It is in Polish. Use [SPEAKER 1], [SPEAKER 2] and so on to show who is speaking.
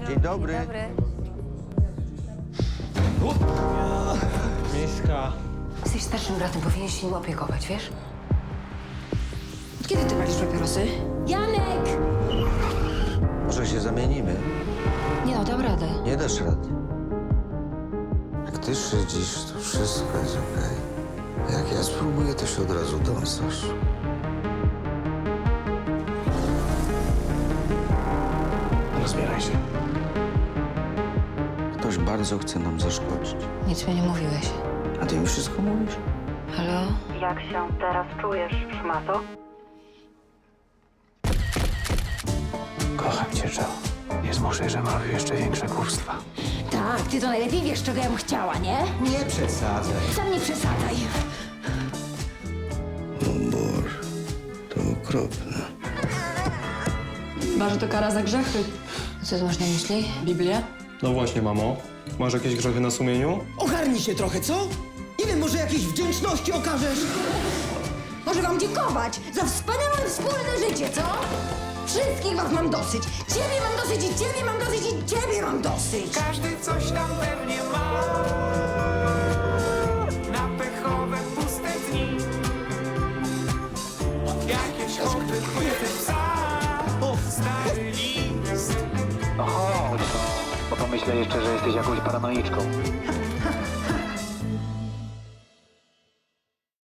[SPEAKER 1] Dzień dobry.
[SPEAKER 2] Dzień dobry.
[SPEAKER 3] Miska.
[SPEAKER 2] Jesteś starszym bratem, powinieneś się nim opiekować, wiesz?
[SPEAKER 4] Od kiedy ty palisz papierosy? Janek!
[SPEAKER 1] Może się zamienimy?
[SPEAKER 4] Nie no, dam radę.
[SPEAKER 1] Nie dasz rady. Jak ty szydzisz, to wszystko jest okej. Jak ja spróbuję, to się od razu dąsasz.
[SPEAKER 3] Rozbieraj się.
[SPEAKER 1] Ktoś bardzo chce nam zaszkodzić.
[SPEAKER 2] Nic mi nie mówiłeś.
[SPEAKER 1] A ty mi wszystko mówisz?
[SPEAKER 2] Halo?
[SPEAKER 5] Jak się teraz czujesz, szmato?
[SPEAKER 3] Kocham cię, Joe. Nie zmuszę, że robił jeszcze większe głupstwa.
[SPEAKER 4] Tak, ty to najlepiej wiesz, czego ja bym chciała, nie?
[SPEAKER 1] Nie przesadzaj.
[SPEAKER 4] Sam nie przesadzaj.
[SPEAKER 1] O Boże, to okropne.
[SPEAKER 6] Chyba, że to kara za grzechy.
[SPEAKER 2] Co ty masz na myśli?
[SPEAKER 6] Biblia?
[SPEAKER 7] No właśnie, mamo. Masz jakieś grzechy na sumieniu?
[SPEAKER 8] Ogarnij się trochę, co? Nie wiem, może jakiejś wdzięczności okażesz?
[SPEAKER 4] Może wam dziękować za wspaniałe wspólne życie, co? Wszystkich was mam dosyć. Ciebie mam dosyć i ciebie mam dosyć i ciebie mam dosyć.
[SPEAKER 9] Każdy coś tam pewnie ma na pechowe, puste dni. Jakieś hobby, chwyty psa, stary list.
[SPEAKER 10] No chodź, bo pomyślę jeszcze, że jesteś jakąś paranoiczką.